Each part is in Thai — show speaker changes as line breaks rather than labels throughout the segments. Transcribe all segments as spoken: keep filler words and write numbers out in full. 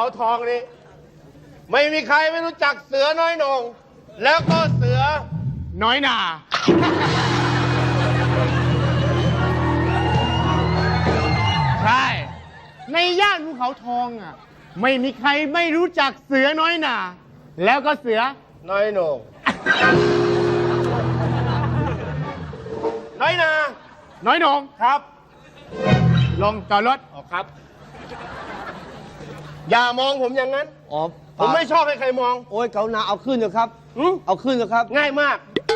ทองนี้ไม่มีใครไม่รู้จักเสือน้อยโหน่งแล้วก็เสือน้อยหนาใช่ในย่านภูเขาทองอ่ะไม่มีใครไม่รู้จักเสือน้อยหนาแล้วก็เสือน้อยโหน่งน้อยหนาน้อยโหน่งครับลงจอดรถออกครับอย่ามองผมอย่างนั้นอ๋อผมไม่ชอบให้ใครมองโอ้ยเกาหนาเอาขึ้นเถอะครับเอาขึ้นเถอะครับง่ายมาก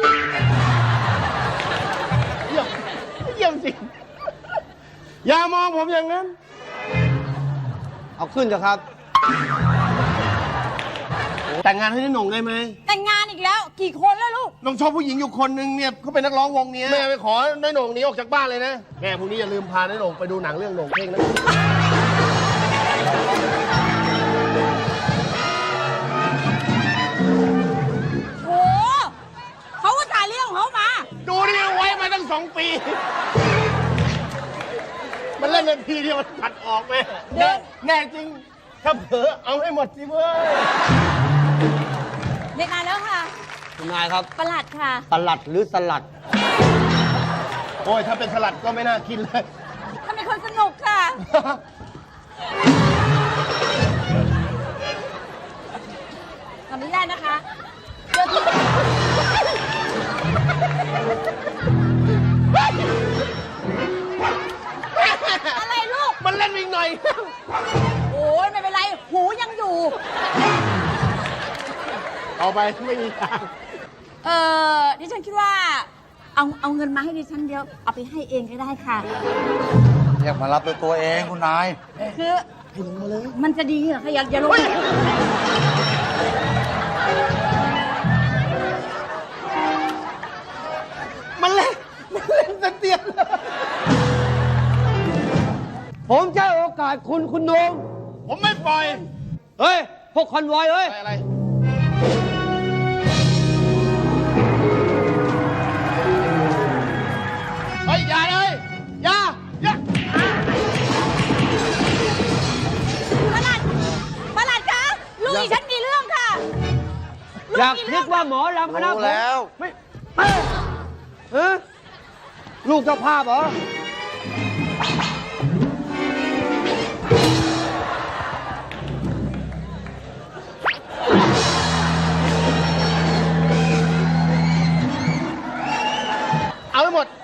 เยี่ยมเยี่ยมจริงอย่ามองผมอย่างนั้นเอาขึ้นเถอะครับแต่งงานให้น้าหน่งได้ไหม
แต่งงานอีกแล้วกี่คนแล้วลูก
น้องชอบผู้หญิงอยู่คนนึงเนี่ยเขาเป็นนักร้องวงนี้แม่ไปขอน้าหน่งหนีออกจากบ้านเลยนะแม่พรุ่งนี้อย่าลืมพาน้าหน่งไปดูหนังเรื่องโหน่งเพ่งนะ
โอ้เขาก็จ่ายเรื่องของเขามา
ดูนี่ไว้มาตั้งสองปีมันเล่นนาทีเดียวมันตัดออกไหมแน่แน่จริงถ้าเผลอเอาให้หมดสิเว้ย
เด็กนายแล้วค่ะ
คุณนายครับ
ประหลัดค่ะ
ประหลัดหรือสลัด
โอ้ยถ้าเป็นสลัดก็ไม่น่ากินเลย
ถ้าเป็นคนสนุกค่ะขออนุญาตนะคะเดี๋ยวอะไรลูก
มันเล่นอีกหน่อย
โอ้ยไม่เป็นไรหูยังอยู่
เอาไปไม่มีทาง
เออดิฉันคิดว่าเอาเอาเงินมาให้ดิฉันเดียวเอาไปให้เองก็ได้ค่ะ
อยากมารับด้วยตัวเองคุณนาย
คือให้ลงมาเลยมันจะดีเหรอคะอย่าอย่าลง
มันเล่นมันเล่นสเตียน
ผมจะโอกาสคุณคุณโหน่ง
ผมไม่ปล่อย
เฮ้ยพวกคอนวอยเฮ้ย
อะไรเฮ้ยอย่าเลยอย่าอย่า
ประหลัดประหลัดคะลูกดิฉันมีเรื่องค่ะ
อยากคิดว่าหมอลำคณะผมแล้วไม่เออลูกเจ้าภาพเหรอ
เอาให้หมด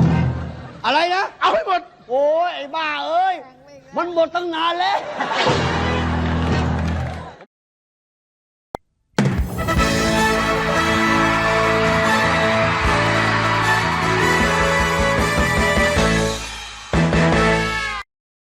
อะไรนะ
เอาให้หมด
โอ้ยไอ้บ้าเอ้ยมันหมดตั้งนานแล้ว